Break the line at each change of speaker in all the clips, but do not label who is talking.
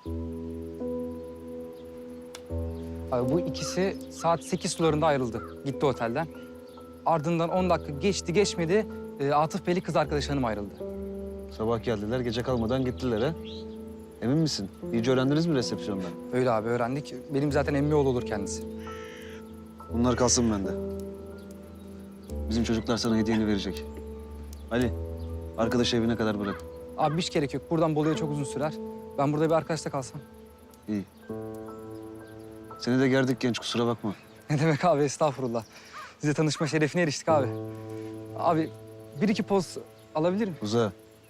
Abi bu ikisi saat 8 sularında ayrıldı. Gitti otelden. Ardından 10 dakika geçti geçmedi Atıf Bey'li kız arkadaş hanım ayrıldı.
Sabah geldiler, gece kalmadan gittiler ha. Emin misin? İyice öğrendiniz mi resepsiyondan?
Öyle abi öğrendik. Benim zaten emmi oğlu olur kendisi.
Bunlar kalsın bende. Bizim çocuklar sana hediyeni verecek. Ali, arkadaşı evine kadar bırak.
Abi hiç gerek yok. Buradan Bolu'ya çok uzun sürer. Ben burada bir arkadaşla kalsam.
İyi. Seni de gerdik genç, kusura bakma.
Ne demek abi estağfurullah. Size tanışma şerefine eriştik abi. Abi bir iki poz alabilir miyim?
Uza.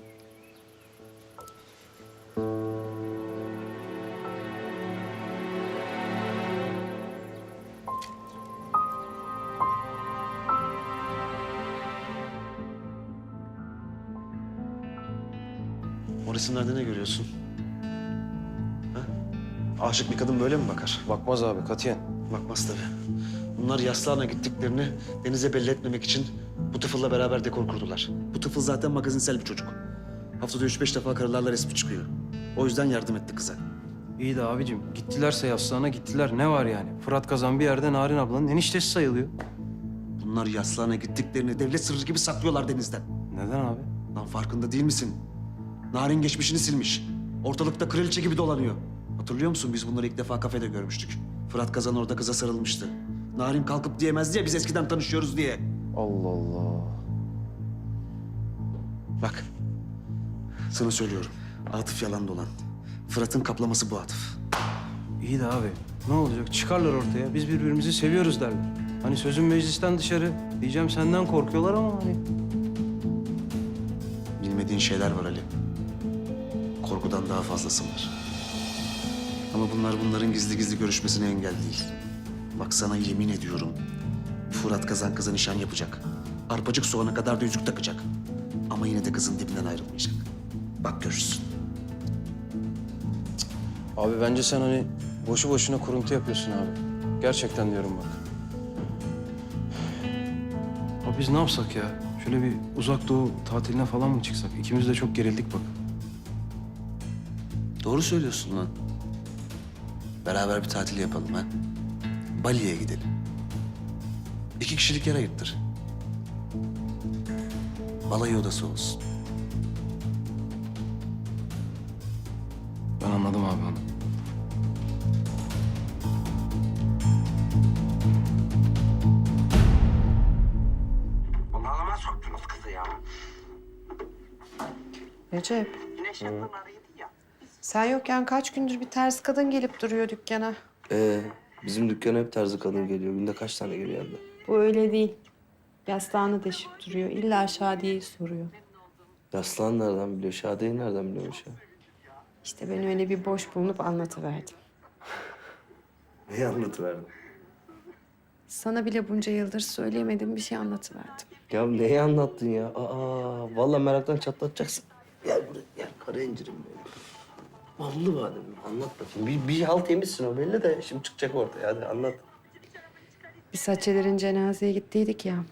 O resimlerde ne görüyorsun? Ha? Aşık bir kadın böyle mi bakar?
Bakmaz abi katiyen.
Bakmaz tabii. Bunlar Yaslıhan'a gittiklerini denize belli etmemek için bu tıfılla beraber dekor kurdular. Bu tıfıl zaten magazinsel bir çocuk. Haftada 3-5 defa karılarla resmi çıkıyor. O yüzden yardım etti kıza.
İyi de abicim gittilerse Yaslıhan'a gittiler. Ne var yani? Fırat Kazan bir yerde Narin ablanın eniştesi sayılıyor.
Bunlar Yaslıhan'a gittiklerini devlet sırrı gibi saklıyorlar denizden.
Neden abi?
Lan farkında değil misin? Narin geçmişini silmiş. Ortalıkta kraliçe gibi dolanıyor. Hatırlıyor musun? Biz bunları ilk defa kafede görmüştük. Fırat Kazan orada kıza sarılmıştı. Narin kalkıp diyemez diye biz eskiden tanışıyoruz diye.
Allah Allah.
Bak, sana söylüyorum. Atıf yalan dolan. Fırat'ın kaplaması bu Atıf.
İyi de abi ne olacak? Çıkarlar ortaya. Biz birbirimizi seviyoruz derler. Hani sözün meclisten dışarı. Diyeceğim senden korkuyorlar ama hani.
Bilmediğin şeyler var Ali. Korkudan daha fazlası var. Ama bunların gizli gizli görüşmesine engel değil. Bak sana yemin ediyorum. Fırat Kazan kıza nişan yapacak. Arpacık soğana kadar da yüzük takacak. Ama yine de kızın dibinden ayrılmayacak. Bak görürsün.
Abi bence sen hani boşu boşuna kuruntu yapıyorsun abi. Gerçekten diyorum bak. Abi biz ne yapsak ya? Şöyle bir uzak doğu tatiline falan mı çıksak? İkimiz de çok gerildik bak.
Doğru söylüyorsun lan. Beraber bir tatil yapalım ha. Bali'ye gidelim. 2 kişilik yer ayırttır. Balayı odası olsun.
Ben anladım abi onu.
Bunalıma soktunuz kızı ya.
Recep,
Güneş yakınlarıydı ya.
sen yokken kaç gündür bir ters kadın gelip duruyor dükkana.
Bizim dükkana hep tarzı kadın geliyor. Günde kaç tane geliyor abla?
Bu öyle değil. Yastığını deşip duruyor. İlla Şadiye'yi soruyor.
Yaslan nereden biliyor? Şadiye'yi nereden biliyormuş ya?
İşte ben öyle bir boş bulunup anlatıverdim.
Neyi anlatıverdin?
Sana bile bunca yıldır söyleyemediğim bir şey anlatıverdim.
Ya neyi anlattın ya? Vallahi meraktan çatlatacaksın. Gel buraya, gel kara incirim benim. Ballı badem, anlat bakayım. Bir halt yemişsin o belli de şimdi çıkacak ortaya. Hadi anlat.
Biz Hatice'lerin cenazeye gittiydik ya.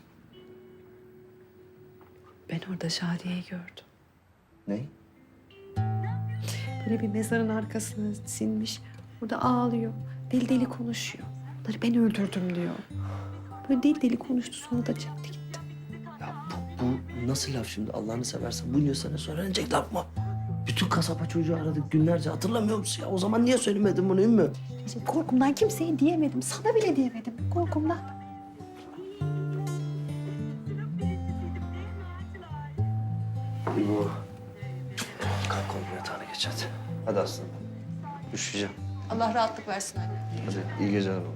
Ben orada Şadiye'yi gördüm.
Ne?
Böyle bir mezarın arkasına sinmiş. Burada ağlıyor. Deli deli konuşuyor. Bunları ben öldürdüm diyor. Böyle deli deli konuştu sonra da çekti gitti.
Ya bu nasıl laf şimdi? Allah'ını seversen bunca sene sonra öğrenecek laf mı? Bütün kasaba çocuğu aradık günlerce. Hatırlamıyor musun ya? O zaman niye söylemedin bunu Ümmü?
İşte korkumdan kimseye diyemedim. Sana bile diyemedim. Korkumdan.
Bu. Kalk oğlum yatağına geç hadi. Hadi aslanım. Üşüyeceğim.
Allah rahatlık versin anne.
Hadi iyi geceler oğlum.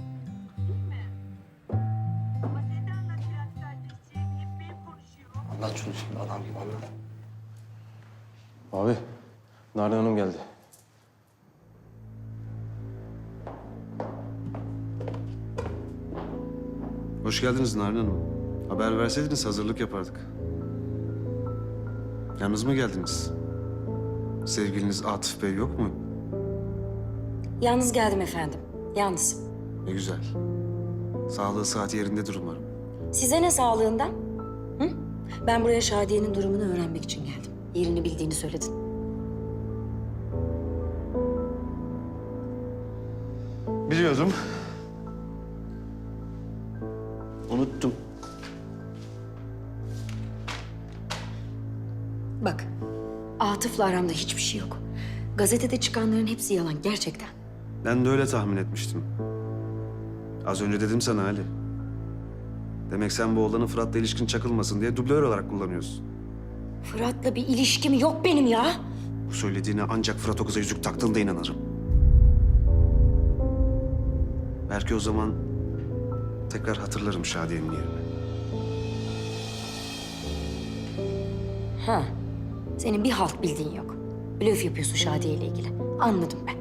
Anlat şunu şimdi adam gibi anlat.
Abi Narin Hanım geldi.
Hoş geldiniz Narin Hanım. Haber verseydiniz hazırlık yapardık. Yalnız mı geldiniz? Sevgiliniz Atıf Bey yok mu?
Yalnız geldim efendim. Yalnız.
Ne güzel. Sağlığı saati yerindedir umarım.
Size ne sağlığından? Hı? Ben buraya Şadiye'nin durumunu öğrenmek için geldim. Yerini bildiğini söyledin.
Biliyordum. Unuttum.
Bak, Atıf'la aramda hiçbir şey yok. Gazetede çıkanların hepsi yalan gerçekten.
Ben de öyle tahmin etmiştim. Az önce dedim sana Ali. Demek sen bu oğlanın Fırat'la ilişkin çakılmasın diye dublör olarak kullanıyorsun.
Fırat'la bir ilişkim yok benim ya.
Bu söylediğine ancak Fırat o kıza yüzük taktığında inanırım. Belki o zaman tekrar hatırlarım Şadiye'nin yerini.
Ha, senin bir halt bildiğin yok. Blöf yapıyorsun Şadiye ile ilgili. Anladım ben.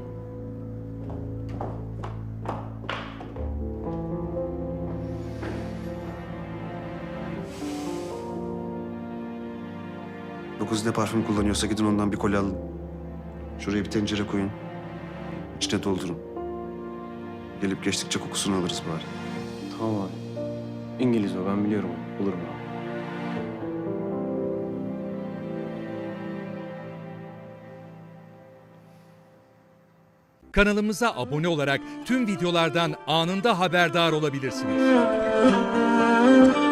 Bu kız ne parfüm kullanıyorsa gidin ondan bir kolye alın. Şuraya bir tencere koyun. İçine doldurun. Gelip geçtikçe kokusunu alırız bari.
Tamam abi. İngiliz o, ben biliyorum onu. Bulurum abi.
Kanalımıza abone olarak tüm videolardan anında haberdar olabilirsiniz.